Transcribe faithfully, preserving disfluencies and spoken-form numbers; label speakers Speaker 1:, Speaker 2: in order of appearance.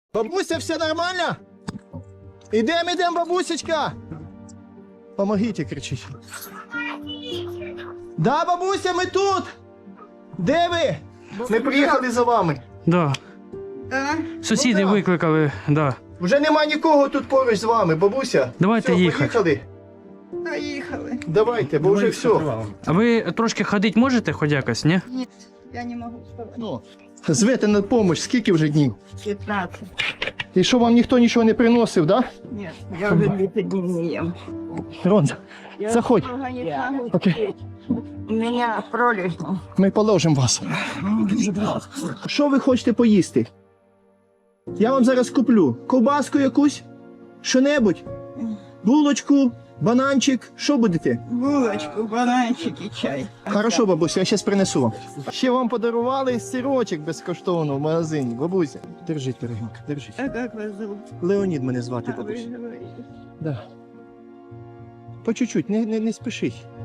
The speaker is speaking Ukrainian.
Speaker 1: Бабуся, все нормально? Ідем, ідем, бабусечка. Помогіть, кричить. Да, бабуся, ми тут. Де ви? Ми приїхали за вами.
Speaker 2: Да.
Speaker 3: А?
Speaker 2: Сусіди
Speaker 1: Ну, да.
Speaker 2: викликали, да.
Speaker 1: Вже нема нікого тут поруч з вами, бабуся.
Speaker 2: Давайте
Speaker 1: Все,
Speaker 2: їхати.
Speaker 1: поїхали.
Speaker 3: Поїхали.
Speaker 1: Давайте, бо вже все.
Speaker 2: А ви трошки ходити можете хоч якось, ні?
Speaker 3: Ні, я не можу вставати.
Speaker 1: Ну, звете на допомогу, скільки вже днів?
Speaker 3: п'ятнадцять.
Speaker 1: І що, вам ніхто нічого не приносив, да?
Speaker 3: Ні, я вже двадцять днів не їм.
Speaker 1: Ронза, заходь. Окей.
Speaker 3: У мене пролежно.
Speaker 1: Ми положимо вас. Що ви хочете поїсти? Я вам зараз куплю ковбаску якусь, що-небудь, булочку, бананчик. Що будете?
Speaker 3: Булочку, бананчик і чай.
Speaker 1: Хорошо, бабуся, я зараз принесу вам. Ще вам подарували сирочок безкоштовно в магазині. Бабуся, держіть, дорогенька, держіть.
Speaker 3: А як вас зовут?
Speaker 1: Леонід мене звати,
Speaker 3: А ви
Speaker 1: бабуся.
Speaker 3: говорите.
Speaker 1: Да. По чуть-чуть, не, не, не спішіть.